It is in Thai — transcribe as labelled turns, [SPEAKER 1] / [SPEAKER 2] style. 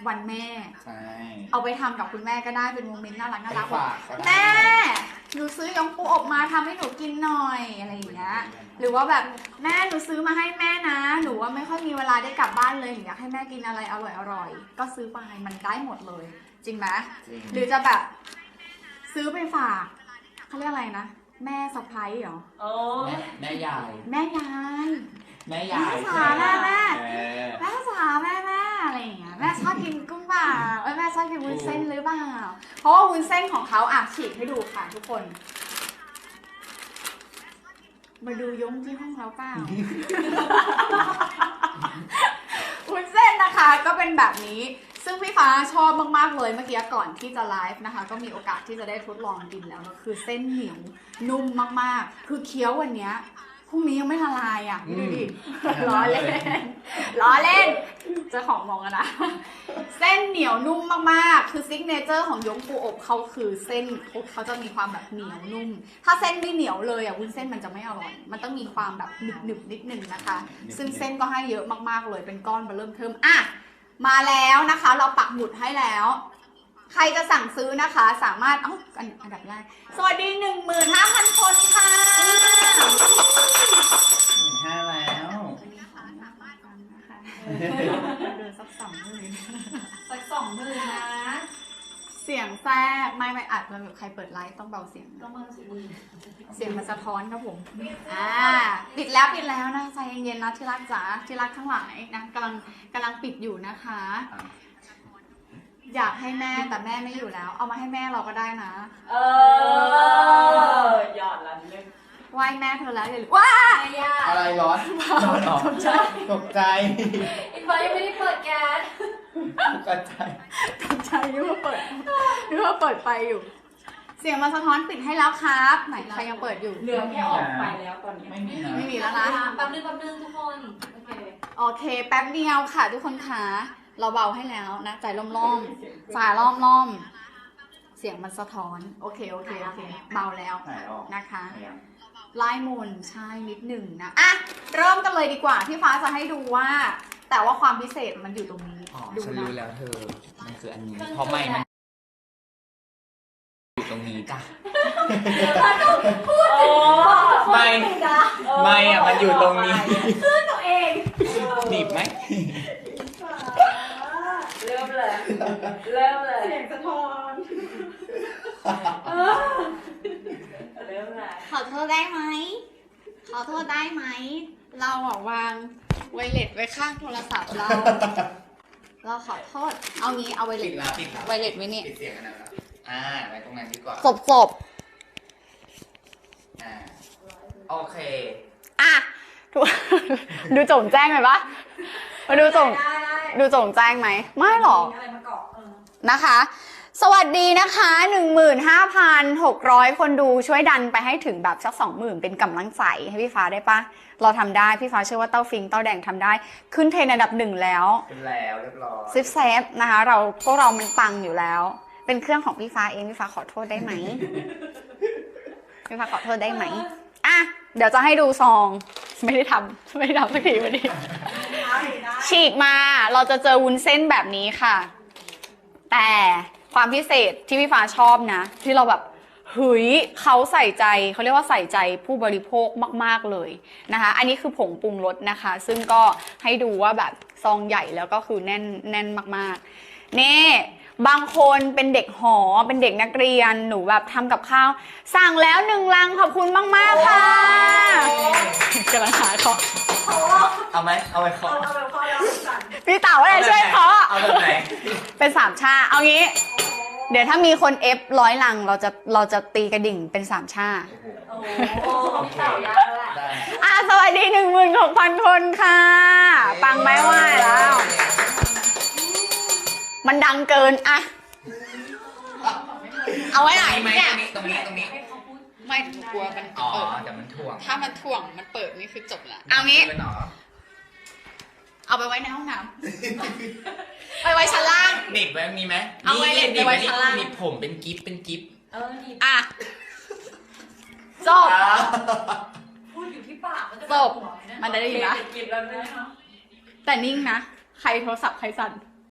[SPEAKER 1] วันแม่
[SPEAKER 2] ใช่
[SPEAKER 1] เอาไปทำกับคุณแม่ก็ได้เป็นโมเมนต์น่ารักน่ารัก
[SPEAKER 2] แม่
[SPEAKER 1] หนูซื้อยงปูอบมาทำให้หนูกินหน่อยอะไรอย่างเงี้ยหรือว่าแบบแม่หนูซื้อมาให้แม่นะหนูว่าไม่ค่อยมีเวลาได้กลับบ้านเลยอยากให้แม่กินอะไรอร่อยก็ซื้อไปมันได้หมดเลยจริงไหมหรือจะแบบซื้อไปฝากเขาเรียกอะไรนะแม่สะใภ้เหรอ
[SPEAKER 2] แม่ยาย
[SPEAKER 1] แม่ยาย
[SPEAKER 2] แม่ยาย
[SPEAKER 1] แม่สาแม่แม่สาแม่อะไรอย่างเงี้ยแม่ชอบกินกุ้งเปล่าแม่ชอบกินวุ้นเส้นหรือเปล่าเพราะว่าวุ้นเส้นของเขาฉีกให้ดูค่ะทุกคนมาดูยงที่ห้องเราเปล่า วุ้นเส้นนะคะก็เป็นแบบนี้ซึ่งพี่ฟ้าชอบมากๆเลยเมื่อกี้ก่อนที่จะไลฟ์นะคะก็มีโอกาสที่จะได้ทดลองกินแล้วก็คือเส้นเหนียวนุ่มมากๆคือเคี้ยววันนี้พรุ่งนี้ยังไม่ละลายอ่ะดูดิล้อเล่นเจ้าของมองกันนะเส้นเหนียวนุ่มมากๆคือซิกเนเจอร์ของยงปูอบเขาคือเส้นเขาจะมีความแบบเหนียวนุ่มถ้าเส้นไม่เหนียวเลยวุ้นเส้นมันจะไม่อร่อยมันต้องมีความแบบหนึบนิดนึงนะคะซึ่งเส้นก็ให้เยอะมากๆเลยเป็นก้อนเริ่มเทิมมาแล้วนะคะเราปักหมุดให้แล้วใครจะสั่งซื้อนะคะสามารถอันดับแรกสวัสดี 15,000 คนค่ะ
[SPEAKER 2] 15,000แล้ว
[SPEAKER 1] เดินสัก20,000
[SPEAKER 3] สัก20,000นะ
[SPEAKER 1] เสียงแทรกไม่อัดมันแบบใครเปิดไลฟ์ต้องเบาเสียง
[SPEAKER 3] ต้องเบาเ
[SPEAKER 1] สียงมันสะท้อนครับผมปิดแล้วนะใจเย็นๆนะที่รักจ๋าที่รักทั้งหลายนะกำลังปิดอยู่นะคะอยากให้แม่แต่แม่ไม่อยู่แล้วเอามาให้แม่เราก็ได้นะ
[SPEAKER 3] หยอดละนึง
[SPEAKER 1] ไหว้แม่เธอแล้วอย่าลืมว้า
[SPEAKER 2] อะไรร้อนตกใจ
[SPEAKER 3] อีกฝ่ายยังไม่ได้เปิดแก๊ส
[SPEAKER 2] ตกใจ
[SPEAKER 1] นึกว่าเปิดไฟอยู่เสียงมาสะท้อนปิดให้แล้วครับไหนใครยังเปิดอยู่
[SPEAKER 3] เหลือแค่ออกไปแล้วตอนนี้
[SPEAKER 1] ไม่มีแล้วนะ
[SPEAKER 3] แป๊บนึงทุกคน
[SPEAKER 1] โอเคแป๊บเดียวค่ะทุกคนคะเราเบาให้แล้วนะใจล่อมจ่ายล่อมเสียงมันสะท้อนโอเคเบาแล้วนะคะไล่มนใช่นิดหนึ่งนะเริ่มกันเลยดีกว่าพี่ฟ้าจะให้ดูว่าแต่ว่าความพิเศษมันอยู่ตรงนี้
[SPEAKER 2] ดูฉันรู้แล้วเธอมันคืออันนี้เพราะไม่มันอยู่ตรงนี้จ้ะไม่มันอยู่ตรงนี้
[SPEAKER 3] ตัวเอง
[SPEAKER 2] หนีบไหม
[SPEAKER 3] เริ่มเลยเสียงสะท้อนเริ่มเลย
[SPEAKER 1] ขอโทษได้ไหมเราวางไวเลสไว้ข้างโทรศัพท์เราขอโทษเอางี้เอาไวเลสไว้นี่
[SPEAKER 2] ปิดเสียงกันนะครับไว้ตรงนั้นดีกว่า
[SPEAKER 1] ศพ
[SPEAKER 2] โอเค
[SPEAKER 1] ดูโจ่งแจ้งไหมปะมาดูโจ่งแจ้งไหมไม่หรอกนะคะสวัสดีนะคะ 15,600 คนดูช่วยดันไปให้ถึงแบบสัก 20,000 เป็นกำลังใจให้พี่ฟ้าได้ปะเราทำได้พี่ฟ้าเชื่อว่าเต้าฟิงเต้าแดงทำได้ขึ้นเทรนด์อันดับ1แล้ว
[SPEAKER 2] เป็นแล้วเรียบร้อย
[SPEAKER 1] ซิฟเซฟนะคะพวกเรามันปังอยู่แล้วเป็นเครื่องของพี่ฟ้าเองพี่ฟ้าขอโทษได้ไหมพี่ฟ้าขอโทษได้ไหมเดี๋ยวจะให้ดูซองไม่ได้ทำสักทีวันนี้ฉีกมาเราจะเจอวุ้นเส้นแบบนี้ค่ะแต่ความพิเศษที่พี่ฟ้าชอบนะที่เราแบบเขาใส่ใจเขาเรียกว่าใส่ใจผู้บริโภคมากๆเลยนะคะอันนี้คือผงปรุงรสนะคะซึ่งก็ให้ดูว่าแบบซองใหญ่แล้วก็คือแน่นมากๆนี่บางคนเป็นเด็กหอเป็นเด็กนักเรียนหนูแบบทำกับข้าวสั่งแล้ว1 ลังขอบคุณมากๆค่ะกำลังหาเคาะ
[SPEAKER 2] เอาไหมเอาไปเคาะ
[SPEAKER 1] พี่เต๋าอะไรช่วยเคาะ
[SPEAKER 2] เอาแบบไหน
[SPEAKER 1] เป็น3 ชาเอางี้เดี๋ยวถ้ามีคนเอฟ100 ลังเราจะตีกระดิ่งเป็น3 ชา
[SPEAKER 3] พี่เต๋ายากแล้วแหละ
[SPEAKER 1] สวัสดี 16,000 คนค่ะปังไม่ไหวแล้วมันดังเกินเอาไว้ไหนเนี่ย
[SPEAKER 2] ตรงนี้
[SPEAKER 1] ไม่กลัวมันเปิด
[SPEAKER 2] แต่มันถ่วง
[SPEAKER 1] ถ้ามันถ่วงมันเปิดนี่คือจบละเอางี้เอาไปไว้ในห้องน้ำไปไว้ชั้นล่าง
[SPEAKER 2] หนีบไว้มีไหม
[SPEAKER 1] เอาไว้เล็บไว้ชั้นล่าง
[SPEAKER 2] หนีบผมเป็นกิฟ
[SPEAKER 1] จบ
[SPEAKER 3] พูดอยู่ที่ปาก
[SPEAKER 1] จบมันได้ยินนะแต่นิ่งนะใครโทรศัพท์ใครสั่น